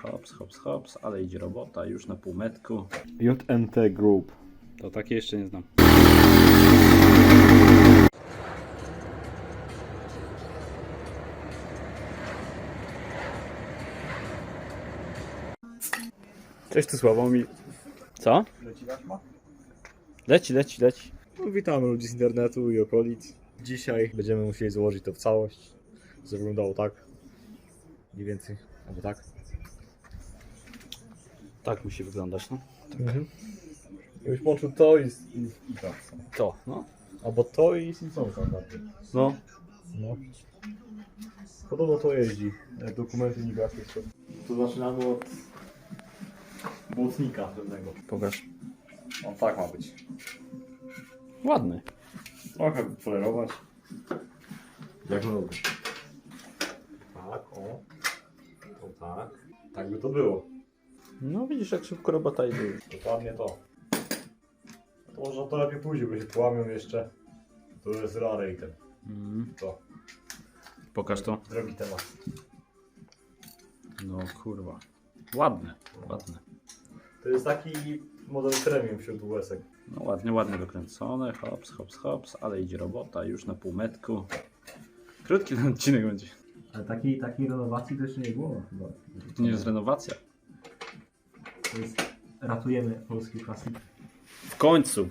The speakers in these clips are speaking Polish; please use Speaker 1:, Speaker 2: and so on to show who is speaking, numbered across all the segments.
Speaker 1: hops, hops, hops, ale idzie robota już na półmetku.
Speaker 2: JNT Group.
Speaker 1: To takie jeszcze nie znam.
Speaker 2: Cześć, tu Sławomir.
Speaker 1: Co? Leci.
Speaker 2: No, witamy ludzi z internetu i okolic. Dzisiaj będziemy musieli złożyć to w całość. To wyglądało tak. Mniej więcej. Albo tak.
Speaker 1: Tak musi wyglądać, no.
Speaker 2: Już łączył to i to.
Speaker 1: To, no.
Speaker 2: Albo to i Simpsonsa bardziej.
Speaker 1: No.
Speaker 2: No. Podobno to jeździ. Dokumenty niby jakieś to. To zaczynamy od błotnika pewnego.
Speaker 1: Pokaż.
Speaker 2: On tak ma być.
Speaker 1: Ładny.
Speaker 2: Trochę polerować. Jak lubię. Tak, o. To tak. Tak by to było.
Speaker 1: No widzisz, jak szybko robota idzie.
Speaker 2: Dokładnie to. To może to lepiej pójdzie, bo się połamią jeszcze. To jest rare item. To.
Speaker 1: Pokaż to.
Speaker 2: Drogi temat.
Speaker 1: No kurwa. Ładne.
Speaker 2: To jest taki model premium wśród US-ek.
Speaker 1: No ładnie wykręcone. Hops, hops, hops, ale idzie robota już na półmetku. Krótki ten odcinek będzie.
Speaker 2: Ale takiej renowacji to jeszcze nie było chyba.
Speaker 1: To nie jest renowacja.
Speaker 2: To jest ratujemy polski klasyk.
Speaker 1: W końcu.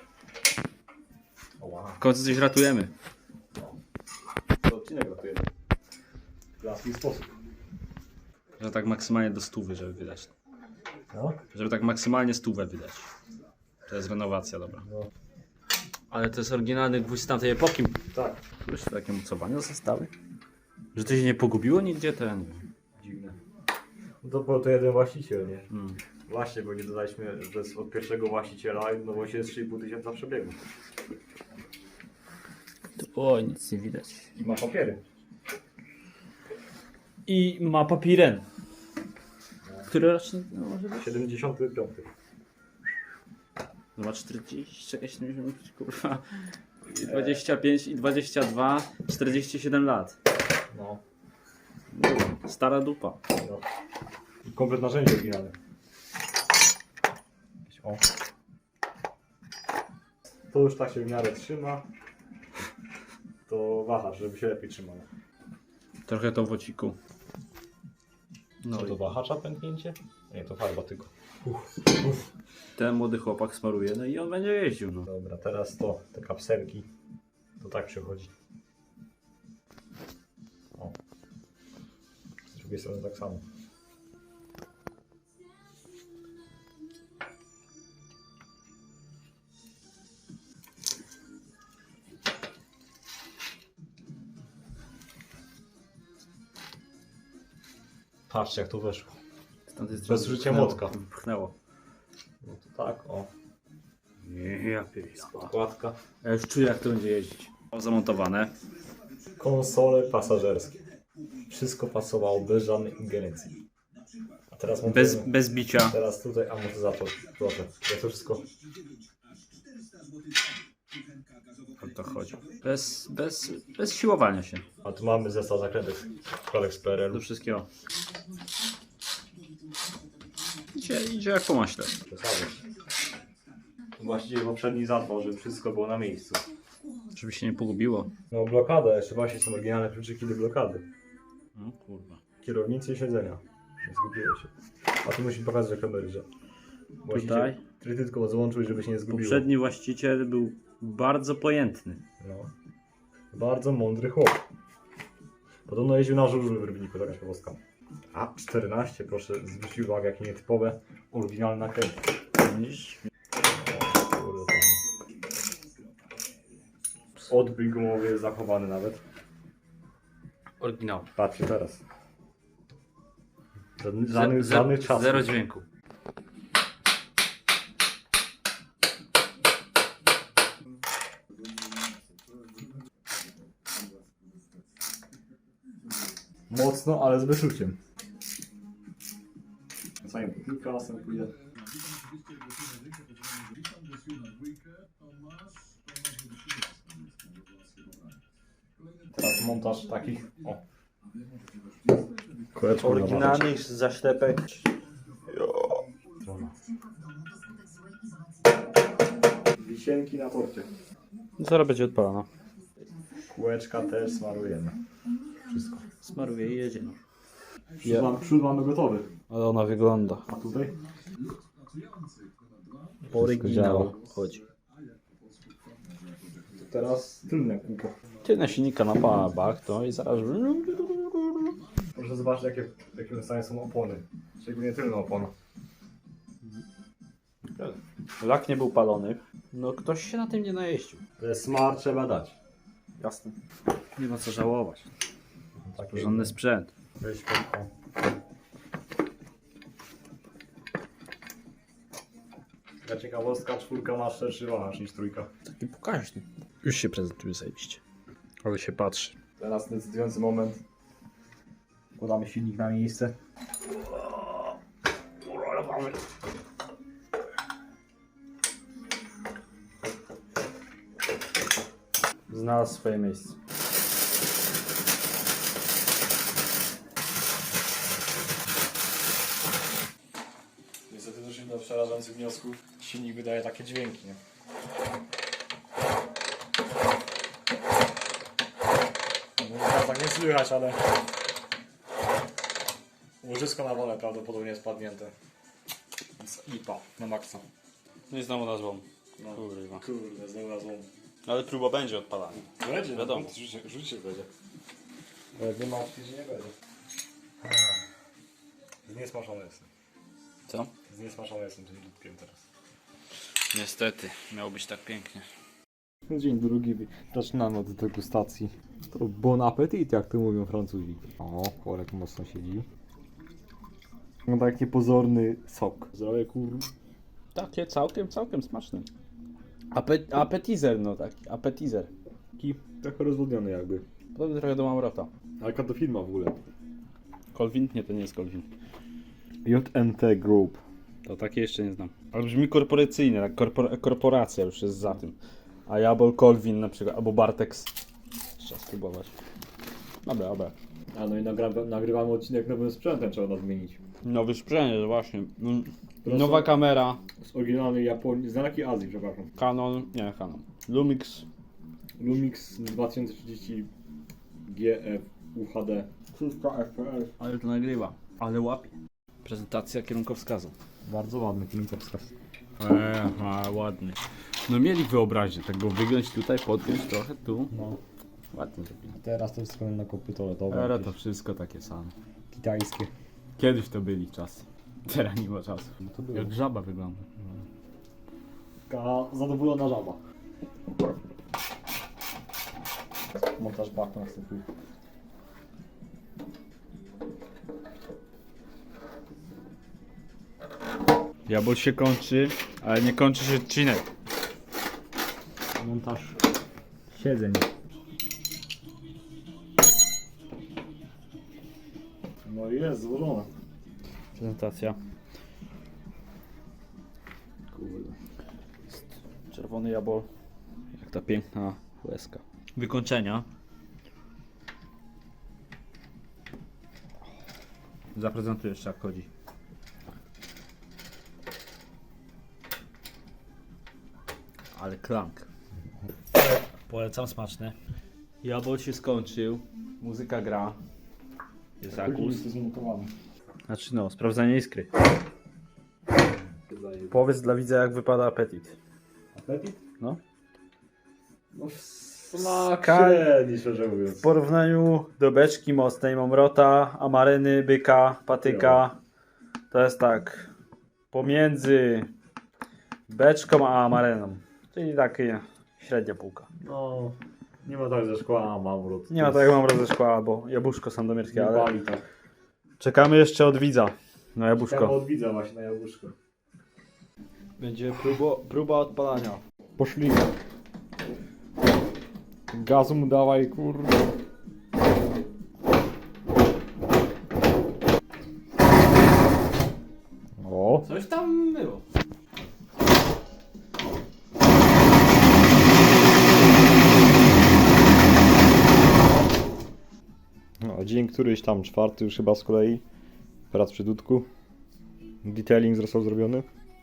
Speaker 2: O wow.
Speaker 1: W końcu coś ratujemy.
Speaker 2: To odcinek ratujemy. W laski sposób.
Speaker 1: Że tak maksymalnie do 100, żeby wydać.
Speaker 2: No?
Speaker 1: Żeby tak maksymalnie 100 wydać. To jest renowacja, dobra.
Speaker 2: No.
Speaker 1: Ale to jest oryginalny gwóźdź z tamtej epoki.
Speaker 2: Tak.
Speaker 1: Jeszcze takie mocowania zostały. Że to się nie pogubiło nigdzie, to ja nie wiem.
Speaker 2: Dziwne. No to był to jeden właściciel, nie?
Speaker 1: Hmm.
Speaker 2: Właśnie, bo nie dodaliśmy, że jest od pierwszego właściciela i no właśnie jest 3,5 tysiąca przebiegu.
Speaker 1: Oj, nic nie widać.
Speaker 2: I ma papiery.
Speaker 1: I ma papiren. Który rocznik no, może być?
Speaker 2: 75.
Speaker 1: No ma 40, czekaj, 70, kurwa. I 25 i 22, 47 lat.
Speaker 2: No.
Speaker 1: Stara dupa.
Speaker 2: No. Komplet narzędzi oryginalne. O. To już tak się w miarę trzyma. To wahasz, żeby się lepiej trzymało.
Speaker 1: Trochę to w ociku.
Speaker 2: No to wahacza pęknięcie? Nie, to farba tylko.
Speaker 1: Ten młody chłopak smaruje, no i on będzie jeździł, no.
Speaker 2: Dobra, teraz to, te kapselki. To tak przychodzi. O. Z drugiej strony tak samo. Patrzcie jak to weszło. Bez użycia młotka.
Speaker 1: Pchnęło.
Speaker 2: No to tak, o.
Speaker 1: Nie, ja pierdolę.
Speaker 2: Podkładka.
Speaker 1: Ja już czuję, jak to będzie jeździć. Zamontowane.
Speaker 2: Konsole pasażerskie. Wszystko pasowało bez żadnej ingerencji. A teraz montujemy.
Speaker 1: Bez bicia.
Speaker 2: Teraz tutaj amortyzator. Proszę. Ja to wszystko.
Speaker 1: O to chodzi. Bez siłowania się.
Speaker 2: A tu mamy zestaw zakrętek z PRL.
Speaker 1: Do wszystkiego. Idzie jak po maśle.
Speaker 2: Właściwie poprzedni zadbał, żeby wszystko było na miejscu.
Speaker 1: Żeby się nie pogubiło.
Speaker 2: No blokada, jeszcze właśnie są oryginalne kluczyki do blokady.
Speaker 1: No kurwa.
Speaker 2: Kierownicy i siedzenia. Zgubiło się. A tu musimy pokazać jak kamery, że
Speaker 1: Tutaj
Speaker 2: ty tylko złączył, żeby się nie zgubiło.
Speaker 1: poprzedni właściciel był bardzo pojętny.
Speaker 2: No. Bardzo mądry chłop. Podobno jeździł na żużlu w Rybniku, taka ciekawostka. A 14, proszę zwrócić uwagę, jakie nietypowe, oryginalne nakręty. Kurde, tam. Odbyt gumowy jest zachowany nawet.
Speaker 1: Oryginał.
Speaker 2: Patrzcie teraz. Żadnych czasów.
Speaker 1: Zero dźwięku.
Speaker 2: Mocno, ale z wyczuciem. Zanim kilka następuje. Teraz montaż takich Kółeczko
Speaker 1: Oryginalnych zaślepek.
Speaker 2: Wisienki na torcie.
Speaker 1: Zaraz będzie odpalana.
Speaker 2: Kółeczka też smarujemy. Wszystko.
Speaker 1: Smaruje i jedzie.
Speaker 2: Przód mamy gotowy.
Speaker 1: Ale ona wygląda.
Speaker 2: A tutaj?
Speaker 1: Oryginał chodzi.
Speaker 2: To teraz tylne kółko.
Speaker 1: Tylne silnika na bach, to i zaraz...
Speaker 2: Proszę zobaczyć w jakim stanie są opony. Szczególnie tylne opony.
Speaker 1: Lak nie był palony. No ktoś się na tym nie najeździł.
Speaker 2: To jest smart, trzeba dać.
Speaker 1: Jasne. Nie ma co żałować.
Speaker 2: Taki
Speaker 1: Porządny sprzęt.
Speaker 2: Weź kółko. Taka ciekawostka, 4 ma szerszy wahacz niż 3.
Speaker 1: Taki pokaźny. Już się prezentuje zajebiście. Ale się patrzy.
Speaker 2: Teraz decydujący moment. Wkładamy silnik na miejsce.
Speaker 1: Znalazł swoje miejsce.
Speaker 2: Niestety doszliśmy do przerażających wniosków. Silnik wydaje takie dźwięki, nie? No, teraz tak nie słychać, ale łożysko na wolę prawdopodobnie jest padnięte. Więc IPA na maksa.
Speaker 1: No i znowu nazwą.
Speaker 2: No.
Speaker 1: Kurwa.
Speaker 2: Kurde, znalazłem.
Speaker 1: Ale próba będzie odpalania.
Speaker 2: Będzie,
Speaker 1: Wiadomo.
Speaker 2: Rzucić będzie. Ale jak nie ma opcji, że nie będzie. Zniesmaczony jestem.
Speaker 1: Co?
Speaker 2: Zniesmaczony jestem tym ludkiem teraz.
Speaker 1: Niestety. Miało być tak pięknie.
Speaker 2: Dzień drugi. Zaczynamy od degustacji. To bon appetit, jak to mówią Francuzi. O, Korek mocno siedzi. No taki pozorny sok. Zdrowie kur...
Speaker 1: Takie całkiem smaczne. Appetizer, no taki. Appetizer.
Speaker 2: Taki trochę rozwodniony jakby.
Speaker 1: Podobny trochę do Mamrota.
Speaker 2: Ale jaka to firma w ogóle?
Speaker 1: Colvin? Nie, to nie jest Colvin.
Speaker 2: JNT Group.
Speaker 1: To takie jeszcze nie znam. Ale brzmi korporacyjnie, tak korporacja już jest za tym. A Jabol Colvin na przykład, albo Bartex. Trzeba spróbować. Dobra.
Speaker 2: A no i nagrywamy odcinek nowym sprzętem, trzeba nadmienić.
Speaker 1: Nowy sprzęt, właśnie.
Speaker 2: Proszę.
Speaker 1: Nowa kamera.
Speaker 2: Z oryginalnej Japonii, z dalekiej Azji, przepraszam.
Speaker 1: Canon. Lumix.
Speaker 2: Lumix 2030 GF UHD. 300 FPS.
Speaker 1: Ale to nagrywa. Ale łapie. Prezentacja kierunkowskazu.
Speaker 2: Bardzo ładny kierunkowskaz.
Speaker 1: Ładny. No mieli wyobraźnię, tak go wygiąć tutaj, podgiąć trochę tu.
Speaker 2: No.
Speaker 1: Ładnie zrobili.
Speaker 2: Teraz to wszystko na kopy toaletowe.
Speaker 1: Teraz to wszystko takie same.
Speaker 2: Kitajskie.
Speaker 1: Kiedyś to byli czasy. Teraz nie ma czasu.
Speaker 2: No to było.
Speaker 1: Jak żaba wygląda.
Speaker 2: Taka zadowolona żaba. Montaż baku następuje.
Speaker 1: Jabol się kończy, ale nie kończy się odcinek.
Speaker 2: Montaż siedzeń. No i jest złożone.
Speaker 1: Prezentacja.
Speaker 2: Kurde.
Speaker 1: Czerwony jabol. Jak ta piękna łezka. Wykończenia. Zaprezentuję jeszcze jak chodzi. Ale klank. Polecam, smaczne. Jabol się skończył. Muzyka gra. Jest zakus. Znaczy no, sprawdzanie iskry. Powiedz dla widza jak wypada apetyt.
Speaker 2: Apetit?
Speaker 1: No.
Speaker 2: No smak
Speaker 1: Skal-
Speaker 2: średni, szczerze mówiąc.
Speaker 1: W porównaniu do beczki mocnej Mamrota, Amaryny, Byka, Patyka, to jest tak pomiędzy beczką a Amaryną. Czyli takie średnia półka.
Speaker 2: No, nie ma tak ze szkła, a mamrot.
Speaker 1: Nie ma tak jak Mamrot ze szkła albo jabłuszko sandomierskie,
Speaker 2: Nie
Speaker 1: ale
Speaker 2: pali tak.
Speaker 1: czekamy jeszcze od widza na
Speaker 2: Czekam
Speaker 1: jabłuszko.
Speaker 2: od widza właśnie na jabłuszko.
Speaker 1: Będzie próba odpalania.
Speaker 2: Poszli. Gazu mu dawaj, kurde. O,
Speaker 1: Coś tam było.
Speaker 2: no, dzięki. dzień któryś tam, 4 już chyba z kolei. Prac przy dudku. Detailing został zrobiony.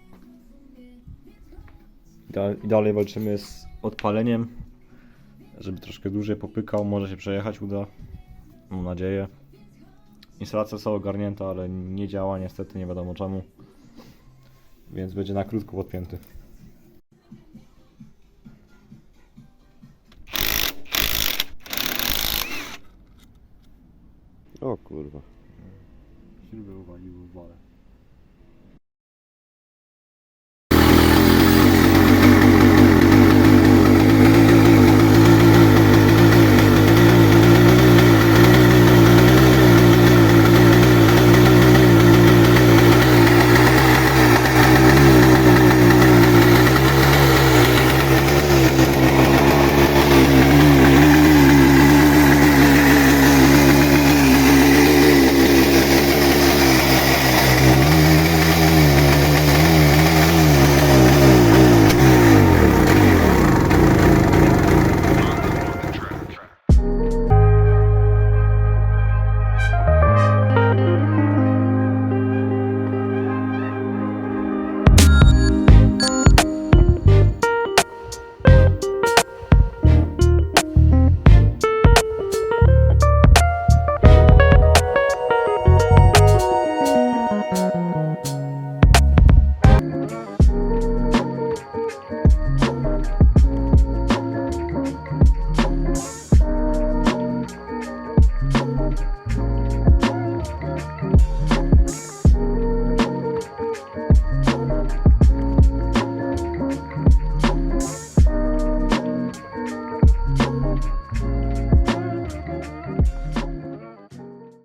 Speaker 2: I dalej walczymy z odpaleniem, żeby troszkę dłużej popykał, może się przejechać uda, mam nadzieję. Instalacja została ogarnięta, ale nie działa niestety, nie wiadomo czemu, więc będzie na krótko podpięty.
Speaker 3: O kurwa.
Speaker 2: Śrubę uwalił w wale.